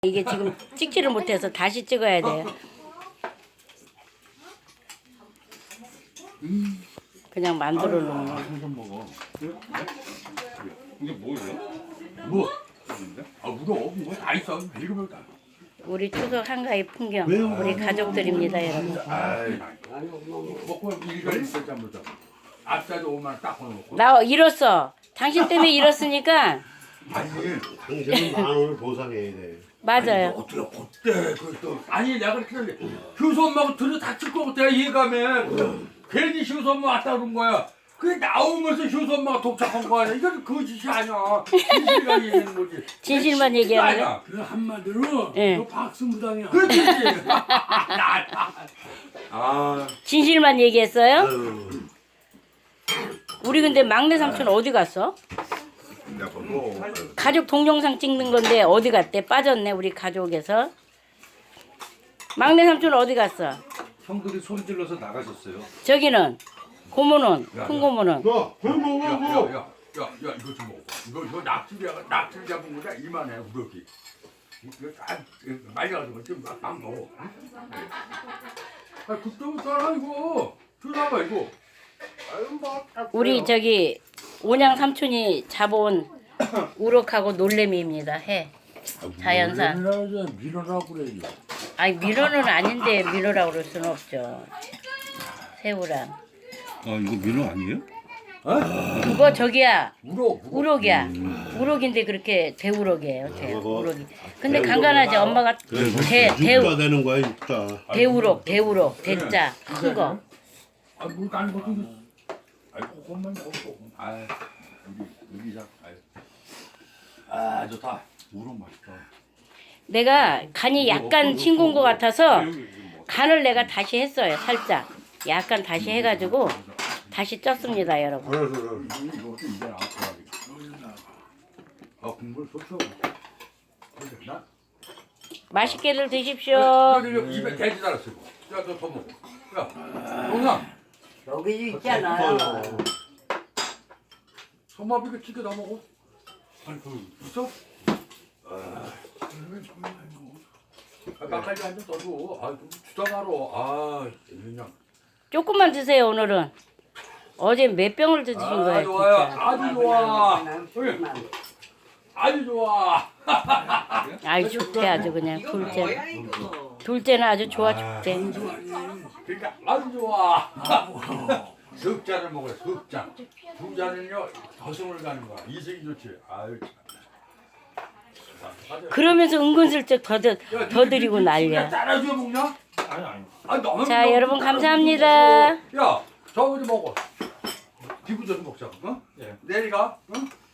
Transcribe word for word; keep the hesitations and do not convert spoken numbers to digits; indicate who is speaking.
Speaker 1: 이게 지금 찍지를 못해서 다시 찍어야 돼요. 그냥 만들어 놓은 거.
Speaker 2: 생선 먹어. 이게 뭐예요?
Speaker 3: 뭐?
Speaker 2: 아 물어. 뭐다 있어. 읽으면 다.
Speaker 1: 우리 추석 한가위 풍경, 우리 가족들입니다, 여러분.
Speaker 2: 아이, 먹고 일가 있었자 보자. 앞자도 오만 딱 걸어놓고.
Speaker 1: 나 잃었어. 당신 때문에 잃었으니까.
Speaker 2: 아니,
Speaker 3: 당신은 만 원을 보상해야 돼.
Speaker 1: 맞아요.
Speaker 2: 어떻게 그때 그또 아니 내가 그렇게 했는데 효소 엄마가 들여 다칠 것 같아 예감에. 괜히 효소 엄마 왔다 그런 거야. 그게 나오면서 효소 엄마가 독착한 거 아니야? 이건 거짓이 아니야. 진실만 얘기하는 거지.
Speaker 1: 진실만 얘기하는 거야?
Speaker 4: 그 한마디로
Speaker 1: 예.
Speaker 4: 너 박수무당이야.
Speaker 2: 그렇지. 아,
Speaker 1: 진실만 얘기했어요?
Speaker 3: 아유,
Speaker 1: 우리 근데 막내 삼촌 어디 갔어?
Speaker 3: 내가 뭐
Speaker 1: 가족 동영상 찍는 건데 어디 갔대? 빠졌네, 우리 가족에서. 막내 삼촌 어디 갔어?
Speaker 5: 형들이 소리 질러서 나가셨어요.
Speaker 1: 저기는 고모는, 큰 고모는.
Speaker 3: 너, 그 먹어,
Speaker 2: 야,
Speaker 3: 뭐.
Speaker 2: 야, 야, 야, 야, 이거 좀 먹어. 이거 이거 낙지야, 낙지 잡은 거다 이만해 우럭이. 이거 잘 말려가지고 좀 막 먹어. 아, 그때부터 알아 이거. 들어봐 이거.
Speaker 1: 우리 저기 온양 삼촌이 잡아온 우럭하고 놀래미입니다. 해. 자연산.
Speaker 4: 밀어라 밀어라고 그래.
Speaker 1: 아니 민어는 아닌데 민어라고 그럴 수는 없죠. 새우랑.
Speaker 5: 아 이거 민어 아니에요?
Speaker 1: 그거 저기야
Speaker 2: 우럭. 우럭.
Speaker 1: 우럭이야. 우럭인데 그렇게 대우럭이에요. 대 우럭이. 근데 간간하지 엄마가 대 대우
Speaker 3: 육가 되는 거야, 육가.
Speaker 1: 대우럭 대우럭 대짜 큰 거.
Speaker 2: 아, 물안 먹고. 아이 그것만 먹어. 아, 우리 우리 자. 아, 좋다. 우럭 맛있다.
Speaker 1: 내가 간이 약간 싱거운 것 같아서 간을 내가 다시 했어요. 살짝 약간 다시 해가지고 다시 쪘습니다, 여러분.
Speaker 3: 그래, 그래.
Speaker 2: 이것도 이제 안 좋아하겠다. 아, 국물 좋죠. 나.
Speaker 1: 맛있게들 드십시오.
Speaker 2: 야, 입에 돼지 달았어. 야, 너 더 먹어. 야, 영상.
Speaker 6: 여기 있잖아요.
Speaker 2: 소마비가 찌개 다 먹어. 아니, 그 있어? 아, 막걸리 한잔 떠줘. 아, 좀 주장하러. 아, 그냥.
Speaker 1: 조금만 드세요, 오늘은. 어제 몇 병을 드신
Speaker 2: 아,
Speaker 1: 거예요,
Speaker 2: 좋아요.
Speaker 1: 진짜.
Speaker 2: 아주 좋아. 아주 좋아.
Speaker 1: 아이 좋대 아주 그냥
Speaker 6: 이거
Speaker 1: 둘째.
Speaker 6: 뭐야 이거?
Speaker 1: 둘째는 아주 좋아 죽대.
Speaker 2: 그러니까 아주 좋아. 석 잔을 먹어요. 석 잔. 두 잔은요 더승을 가는 거야. 이승이 좋지. 아유 참.
Speaker 1: 그러면서 은근슬쩍 더, 더,
Speaker 2: 야,
Speaker 1: 더
Speaker 2: 니-
Speaker 1: 드리고
Speaker 2: 니- 니
Speaker 1: 난리야.
Speaker 2: 따라줘 먹냐?
Speaker 5: 아니 아니.
Speaker 2: 아 너무
Speaker 1: 자,
Speaker 2: 너무
Speaker 1: 여러분
Speaker 2: 따라줘
Speaker 1: 감사합니다.
Speaker 2: 먹어. 야, 저거 좀 먹어. 비구전 먹자. 어?
Speaker 5: 예.
Speaker 2: 내리가. 어?